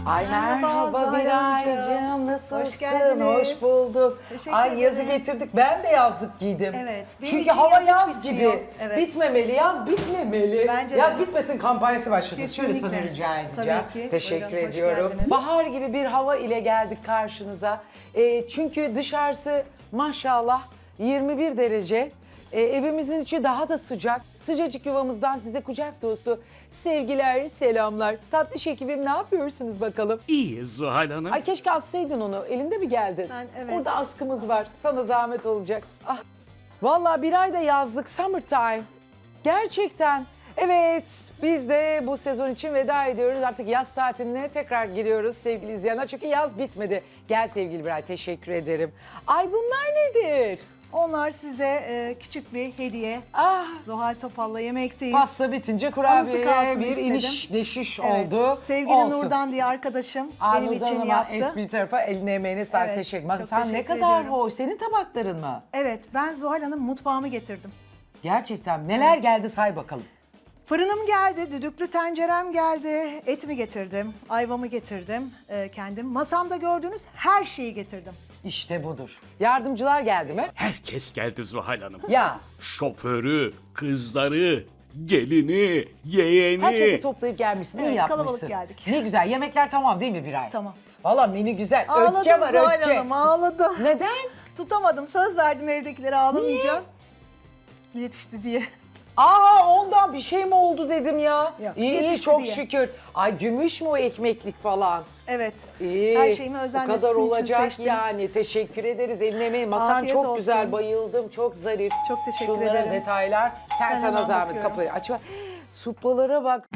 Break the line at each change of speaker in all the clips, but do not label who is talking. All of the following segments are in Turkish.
Ay merhaba
Zuhal
Biraycığım,
Hanımcığım.
nasılsın?
Hoş geldiniz.
Hoş bulduk.
Teşekkür
Ay yazı
ederim.
getirdik. Ben de yazlık giydim.
Evet, benim
Çünkü
için
hava
yaz
yaz
hiç
gibi.
bitmiyor. Evet.
Bitmemeli, yaz bitmemeli.
Bence
yaz
de.
bitmesin kampanyası başladı. Şöyle
Kesinlikle.
sana rica edeceğim.
Tabii ki.
Teşekkür
Buyurun, hoş
ediyorum.
geldiniz.
Bahar gibi bir hava ile geldik karşınıza. Çünkü dışarısı maşallah 21 derece. Evimizin içi daha da sıcak. Sıcacık yuvamızdan size kucak dolusu sevgiler, selamlar. Tatlış ekibim ne yapıyorsunuz bakalım?
İyiyiz Zuhal Hanım.
Ay keşke assaydın onu. Elinde mi geldin?
Evet.
Orada askımız var. Sana zahmet olacak. Ah. Vallahi bir ayda yazlık summertime. Gerçekten. Evet, biz de bu sezon için veda ediyoruz. Artık yaz tatiline tekrar giriyoruz sevgili izleyenler. Çünkü yaz bitmedi. Gel sevgili Biray, teşekkür ederim. Ay bunlar nedir?
Onlar size küçük bir hediye.
Ah,
Zuhal Topal'la yemekteyiz.
pasta bitince
Anısı
kurabiye
kalsın
bir
istedim.
iniş deşiş
Evet.
oldu.
Sevgili
Olsun.
Nurdan diye arkadaşım benim
Nurdan
için
Hanım'a
yaptı.
espri tarafa eline emeğine sağlık,
Evet,
teşekkür ederim.
çok
Sen ne
teşekkür
kadar
ediyorum.
hoş. Senin tabakların mı?
Evet, ben Zuhal Hanım mutfağımı getirdim.
Gerçekten neler geldi say bakalım.
Fırınım geldi, düdüklü tencerem geldi, etimi getirdim, ayvamı getirdim kendim. Masamda gördüğünüz her şeyi getirdim.
İşte budur. Yardımcılar geldi mi?
Herkes geldi Zuhal Hanım.
Ya
Şoförü, kızları, gelini, yeğeni.
herkesi toplayıp gelmişsin.
Evet,
iyi yapmışsın.
kalabalık geldik.
Ne güzel. Yemekler tamam değil mi Biray?
Tamam.
Valla menü güzel.
Ağladım
Ötçe var
Zuhal
ötçe.
Hanım, ağladım.
Neden?
Tutamadım, söz verdim evdekilere ağlamayacağım. Yetişti diye.
Aa ondan bir şey mi oldu dedim ya.
Yok,
iyi iyi
yetişti
çok
diye.
şükür. Ay gümüş mü o ekmeklik falan?
Evet.
İyi.
Her şeyimi özenle
Bu kadar
sizin için
olacak
seçtim.
yani. Teşekkür ederiz. Eline emeğin. Masan
Afiyet
çok
olsun.
güzel. Bayıldım. Çok zarif.
Çok teşekkür
Şunlara
ederim.
detaylar. Sen
Ben
sana
hemen
zahmet
bakıyorum.
kapıyı aç. Suplalara bak.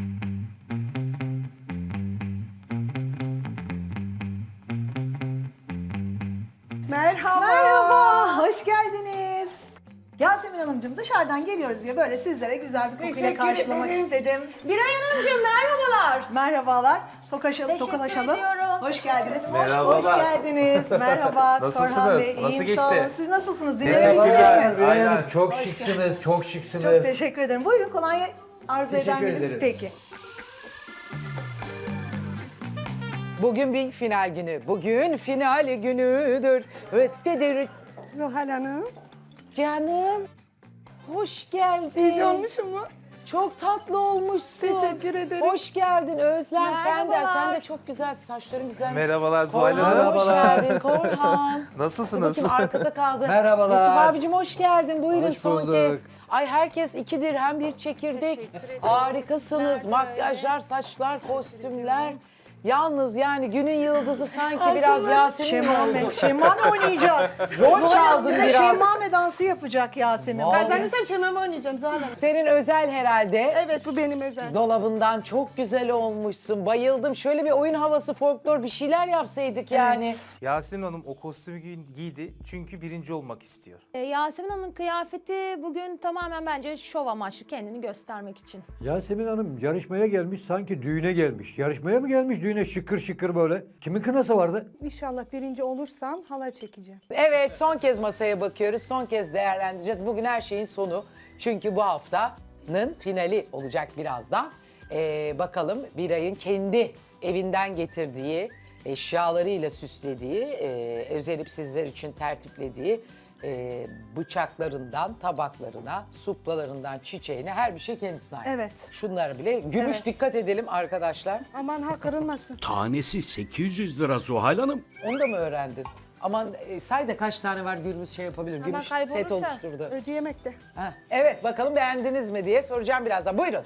Merhaba. Merhaba. Hoş geldiniz. Yasemin Hanımcığım dışarıdan geliyoruz diye böyle sizlere güzel bir kokuyla
Teşekkür
karşılamak
ederim.
istedim.
Biray Hanımcığım merhabalar.
Merhabalar. Tokaşalım,
Teşekkür
tokalaşalım.
ediyorum.
Hoş geldiniz.
Merhabalar.
Hoş geldiniz. Merhaba.
Nasılsınız?
Korhan Bey,
Nasıl
iyiyim,
geçti?
sağ olun. Siz nasılsınız?
Teşekkürler.
Dinlenebildiniz mi?
Aynen.
Çok şıksınız, çok şıksınız.
Çok teşekkür ederim. Buyurun kolonya arzu eder
Teşekkür
misiniz?
ederim.
Peki.
Bugün bir final günü. Bugün final günüdür. Öttedir.
Zuhal Hanım.
Canım. Hoş geldin.
İyice olmuşum mu?
Çok tatlı olmuşsun.
Teşekkür ederim.
Hoş geldin Özlem. Sen de,
Merhabalar.
çok güzel. Saçların güzel.
Merhabalar Zuhal
Korhan
Hanım.
hoş geldin Korhan.
Nasılsınız?
Bakayım arkada kaldı.
Merhabalar.
Yusuf abicim hoş geldin. Buyurun
Hoş
son
bulduk.
kez. Ay herkes 2 dirhem bir çekirdek.
Teşekkür ederim.
Harikasınız.
Sizler de
Makyajlar, saçlar, kostümler. Yalnız yani günün yıldızı sanki biraz Yasemin oldu.
Şemmame oynayacak.
Rol
Zuhal
çaldın
Hanım bize
biraz.
şemmame dansı yapacak Yasemin.
Vallahi.
Ben zannedersem çememe oynayacağım Zuhal Hanım.
Senin özel herhalde.
Evet bu benim özel.
Dolabından çok güzel olmuşsun. Bayıldım. Şöyle bir oyun havası, folklor bir şeyler yapsaydık yani.
Yasemin Hanım o kostümü giydi çünkü birinci olmak istiyor.
Yasemin Hanım'ın kıyafeti bugün tamamen bence şov amaçlı kendini göstermek için.
Yasemin Hanım yarışmaya gelmiş, sanki düğüne gelmiş. Yarışmaya mı gelmiş, düğüne şıkır şıkır böyle? Kimin kınası vardı?
İnşallah birinci olursam halay çekeceğim.
Evet, son kez masaya bakıyoruz. Son kez değerlendireceğiz. Bugün her şeyin sonu. Çünkü bu haftanın finali olacak birazdan. Bakalım Biray'ın kendi evinden getirdiği, eşyalarıyla süslediği, özelip sizler için tertiplediği bıçaklarından tabaklarına, suplalarından çiçeğine her bir şey kendisine ait.
Evet.
Şunlara bile. Gümüş
Evet.
dikkat edelim arkadaşlar.
Aman ha kırılmasın.
Tanesi 800 lira Zuhal Hanım.
Onu da mı öğrendin? Aman say da kaç tane var Gürbüz şey yapabilir.
Aman
Gümüş set
kaybolursa
oluşturdu.
ödeyemek de.
Ha, evet bakalım beğendiniz mi diye soracağım birazdan. Buyurun.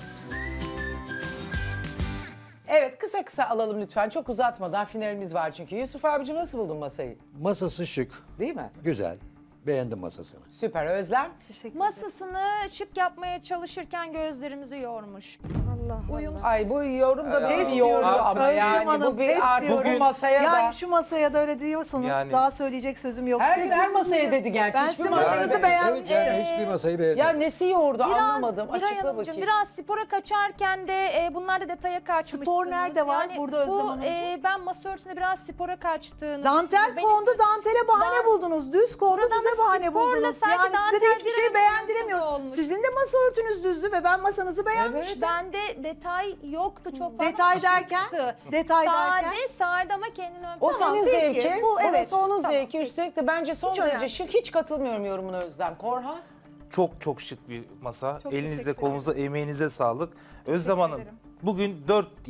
Evet kısa kısa alalım lütfen. Çok uzatmadan finalimiz var çünkü. Yusuf abicim nasıl buldun masayı?
Masası şık,
Değil mi?
güzel. Beğendim masasını.
Süper Özlem.
Masasını şık yapmaya çalışırken gözlerimizi yormuş.
Allah
Uyum
Ay bu yorum da beni
Pes
bir
diyorum.
yordu ama
Özlem
yani
Hanım,
bu bir
pes
artık
diyorum.
bu masaya
yani
da.
şu masaya da öyle diyorsanız
Yani-
daha söyleyecek sözüm yok.
Her gün her masaya dedi gerçi.
Ben
Hiçbir
sizin
masaya
masanızı
demedi.
beğenmiştim.
Evet, yani hiçbir masayı beğendim.
Ya nesi yordu
Biraz
anlamadım.
Biray
Açıkla
Hanımcığım,
bakayım.
biraz spora kaçarken de bunlar da detaya kaçmışsınız.
Spor nerede var burada Özlem
bu,
Hanımcığım?
ben masa örtüsünde biraz spora kaçtığını
Dantel
düşünüyorum.
kondu, dantele bahane
Dan-
buldunuz. Düz kondu,
Buradan
düze bahane
sporla
buldunuz?
sanki
Yani size de
dantel
hiçbir
bir
şey
arada
beğendiremiyoruz.
olmuş.
Sizin de masa örtünüz düzdü ve ben masanızı beğenmiştim.
Bende detay yoktu çok fazla.
Detay derken?
Şıktı.
Detay derken?
Sade ama kendini ön
O
Tamam,
senin
peki.
zevkin,
Bu, evet.
burası onun
Tamam,
zevki.
peki.
Üstelik de bence son
Hiç
derece
önemli
şık. Hiç katılmıyorum yorumuna Özlem. Korhan?
Çok çok şık bir masa.
Çok
Elinize,
teşekkür
kolunuza, emeğinize sağlık. Özlem Hanım,
ederim.
bugün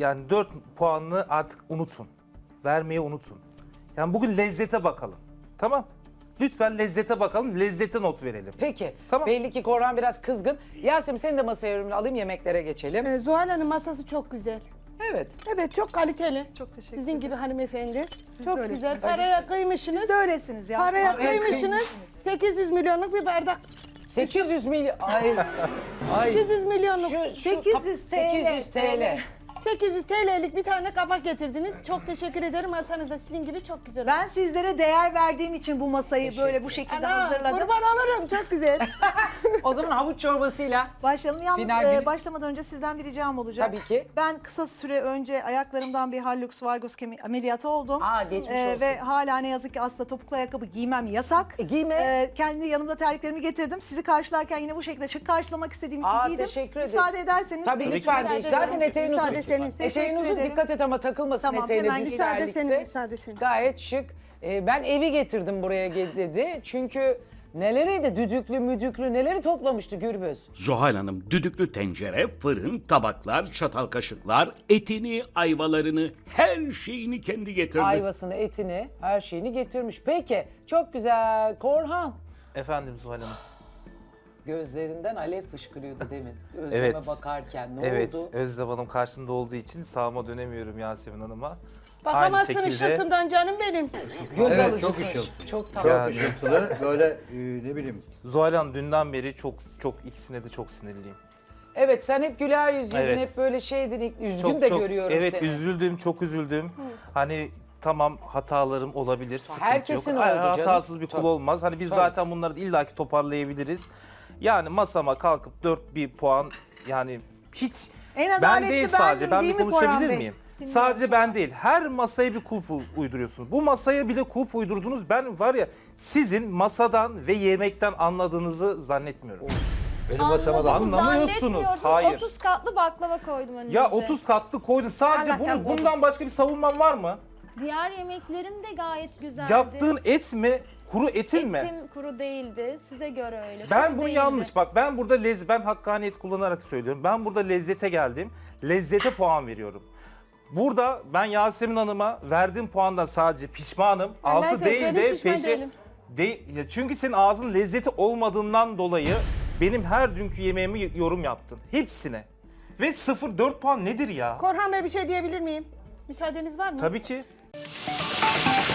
4 puanını artık unutun. Vermeyi unutun. Yani bugün lezzete bakalım. Tamam? Lütfen lezzete bakalım, lezzete not verelim.
Peki.
Tamam.
Belli ki Korhan biraz kızgın. Yasemin senin de masaya yorumunu alayım, yemeklere geçelim.
Zuhal Hanım masası çok güzel.
Evet.
Evet çok kaliteli.
Çok teşekkür
Sizin gibi hanımefendi.
Siz
Çok
de
güzel.
öylesiniz.
Paraya kıymışsınız.
Siz de öylesiniz ya.
Paraya
Paraya
kıymışsınız. 800 milyonluk bir bardak.
800 milyon. Ay. Ay.
800 milyonluk.
800 TL.
800 TL.
800 TL'lik bir tane kabak getirdiniz. Çok teşekkür ederim. Masanız da sizin gibi çok güzel.
Ben sizlere değer verdiğim için bu masayı böyle bu şekilde hazırladım.
Kurban olurum. Çok güzel.
O zaman havuç çorbasıyla.
Başlayalım. Yalnız
Final günü.
başlamadan önce sizden bir ricam olacak.
Tabii ki.
Ben kısa süre önce ayaklarımdan bir hallux valgus ameliyatı oldum.
Aa, geçmiş olsun.
Ve hala ne yazık ki asla topuklu ayakkabı giymem yasak.
Giyme.
Kendi yanımda terliklerimi getirdim. Sizi karşılarken yine bu şekilde şık karşılamak istediğim için
Aa,
giydim.
teşekkür ederim.
Müsaade ederseniz.
Tabii
ki.
lütfen
Müsaade
değil. Zaten
ederim.
eteğin uzun.
Müsaade senin.
Eteğin
Teşekkür
uzun,
ederim.
dikkat et ama takılmasın
Tamam,
eteğine
hemen
düz
müsaade
ilerlikse.
senin, müsaade senin.
Gayet şık. Ben evi getirdim buraya dedi. Çünkü neleriydi düdüklü müdüklü neleri toplamıştı Gürbüz.
Zuhal Hanım düdüklü tencere, fırın, tabaklar, çatal kaşıklar, etini, ayvalarını, her şeyini kendi getirdi.
Ayvasını, etini, her şeyini getirmiş. Peki, çok güzel. Korhan.
Efendim Zuhal Hanım.
Gözlerinden alev fışkırıyordu demin. Özleme
Evet.
bakarken. Ne
Evet,
oldu?
Özlem Hanım karşımda olduğu için sağıma dönemiyorum Yasemin Hanım'a.
Bakamazsın
Aynı şekilde-
ışıltımdan canım benim.
Göz
Evet,
alıcısın.
çok ışıltı.
Çok
Çok
tatlı.
Yani.
ışıltılı. Böyle ne bileyim.
Zuhal Hanım dünden beri çok ikisine de çok sinirliyim.
Evet, sen hep güler yüzlüydün,
Evet.
hep böyle şeydin, üzgün
Çok
de
çok
görüyorum
evet
seni.
üzüldüm, çok üzüldüm. Hani tamam hatalarım olabilir, sıkıntı
Herkesin
yok.
oldu canım.
Hatasız bir kul
Tabii.
olmaz. Hani biz
Tabii.
zaten bunları illaki toparlayabiliriz. Yani masama kalkıp 1 puan yani hiç
En
ben
adaletli
değil sadece
bendim,
ben
değil
bir
mi Korhan
konuşabilir
Bey?
miyim? Sadece ben değil. Her masaya bir kulp uyduruyorsunuz. Bu masaya bile kulp uydurdunuz. Ben var ya sizin masadan ve yemekten anladığınızı zannetmiyorum.
Benim masama da
Anlamıyorsunuz.
Zannetmiyorsun.
Hayır.
30 katlı baklava koydum önünüze.
Ya 30 katlı koydun. Sadece
Allah'tan
bundan başka bir savunman var mı?
Diğer yemeklerim de gayet güzeldi.
Yaptığın et mi? Kuru etin mi?
Etim kuru değildi. Size göre öyle.
Ben
Kuru
bunu
değildi.
yanlış. Bak ben burada ben hakkaniyet kullanarak söylüyorum. Ben burada lezzete geldim. Lezzete puan veriyorum. Burada ben Yasemin Hanım'a verdiğim puandan sadece pişmanım.
Ben
6 değil
ben
de
hiç pişman
5'e...
değilim.
Ya çünkü senin ağzın lezzeti olmadığından dolayı benim her dünkü yemeğimi yorum yaptın. Hepsine. Ve 0-4 puan nedir ya?
Korhan Bey bir şey diyebilir miyim? Müsaadeniz var mı?
Tabii ki.